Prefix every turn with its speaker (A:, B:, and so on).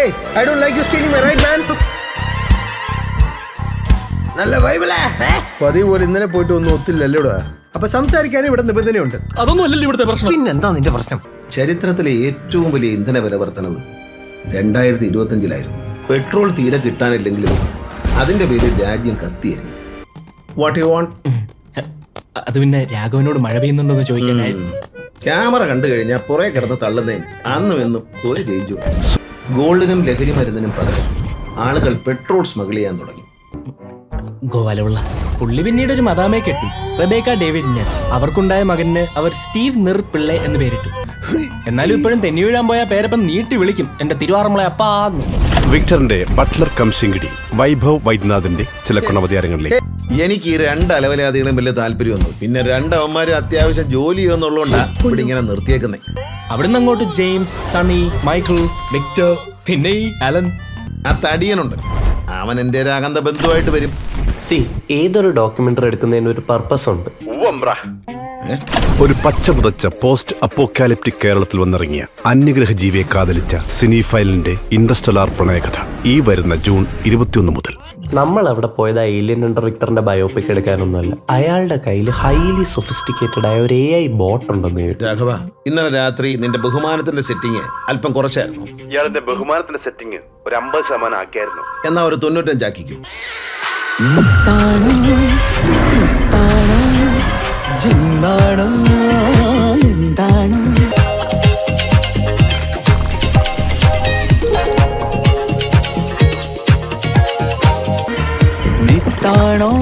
A: Hey, I don't like you stealing my right, man. നല്ല വൈബിളേ പതിവ് പോലെ ഇന്നലെ പോയിട്ട് ഒന്നും ഒത്തില്ലല്ലോടാ. അപ്പൊ സംസാരിക്കാനും ഇവിടെ നിബന്ധനയുണ്ട്.
B: അതൊന്നും അല്ലല്ലോ ഇവിടുത്തെ പ്രശ്നം.
C: പിന്നെന്താ നിന്റെ പ്രശ്നം?
D: ചരിത്രത്തിലെ ഏറ്റവും വലിയ ഇന്ധന വില വർധനവ് 2025 പെട്രോൾ തീരെ കിട്ടാനില്ലെങ്കിലും അതിന്റെ പേരിൽ രാജ്യം കത്തിയായിരുന്നു. What you want?
B: അത് പിന്നെ രാഘവനോട് മഴ പെയ്യുന്നുണ്ടോന്ന് ചോദിക്കാനായിരുന്നു.
D: ക്യാമറ കണ്ടു കഴിഞ്ഞാൽ പുറകെ കിടന്ന് തള്ളുന്നതിന് അന്നും എന്നും ഒരു ചേഞ്ചു. ഗോൾഡിനും ലഹരി മരുന്നിനും പകരം ആളുകൾ പെട്രോൾ സ്മഗിൾ ചെയ്യാൻ തുടങ്ങി.
B: ഗോവാലുള്ള പുള്ളി പിന്നീട് ഒരു മദാമയെ കെട്ടി, റബേക്ക ഡേവിഡിന്. അവർക്കുണ്ടായ മകന് അവർ സ്റ്റീവ് നിർ പിള്ളെ എന്ന് പേരിട്ടു. എന്നാലും ഇപ്പോഴും തെന്നി വീഴാൻ പോയ പേരപ്പം നീട്ടി വിളിക്കും, എന്റെ തിരുവാറമ്മളെ അപ്പാന്ന്.
E: വിക്ടറിന്റെ ബട്ട്ലർ കം ശിങ്കിടി വൈഭവ് വൈദ്യനാഥിന്റെ ചില ഗുണവതാരങ്ങളിലേക്ക്.
D: എനിക്ക് ഈ രണ്ട് അലവലാദികളും വലിയ താല്പര്യമൊന്നും, പിന്നെ രണ്ടവന്മാരും അത്യാവശ്യം ജോലി ചെയ്യുന്നുള്ളതുകൊണ്ടാ ഇവിടെ ഇങ്ങനെ നിർത്തിയേക്കുന്നേ.
B: അവിടുന്ന് അങ്ങോട്ട് ജെയിംസ്, സണ്ണി, മൈക്കിൾ, വിക്ടർ, പിന്നെ ഈ അലൻ.
D: ആ തടിയനുണ്ട്, അവൻ എന്റെ ഒരു അകന്ത ബന്ധുവായിട്ട് വരും.
F: ഏതൊരു ഡോക്യുമെന്ററി എടുക്കുന്നതിന് ഒരു പർപ്പസ് ഉണ്ട്.
E: ഒരു പച്ച പുതച്ച പോസ്റ്റ് അപ്പോക്കാലിപ്റ്റിക് കേരളത്തിൽ വന്നിറങ്ങിയ അന്യഗ്രഹ ജീവിയെ കാതലിച്ച സിനിഫൈലിന്റെ ഇന്റർസ്റ്റെല്ലാർ പ്രണയകഥ ഈ വരുന്ന ജൂൺ 21 മുതൽ.
F: നമ്മൾ അവിടെ പോയത് ഏലിയൻ ഹണ്ടർ വിക്ടറിന്റെ ബയോപിക് എടുക്കാനൊന്നുമല്ല. അയാളുടെ കയ്യിൽ ഹൈലി സൊഫിസ്റ്റിക്കേറ്റഡ് ആയ ഒരു AI ബോട്ട് ഉണ്ടെന്ന് കേട്ടു.
D: രാഘവ, ഇന്നലെ രാത്രി നിന്റെ ബഹുമാനത്തിന്റെ സെറ്റിങ് അല്പം കുറച്ചായിരുന്നു.
E: ഇയാളുടെ ബഹുമാനത്തിന്റെ സെറ്റിംഗ് ഒരു 50% ആക്കിയായിരുന്നു.
D: എന്നാ ഒരു 95 ആക്കിക്കും.
C: നിത്താണോ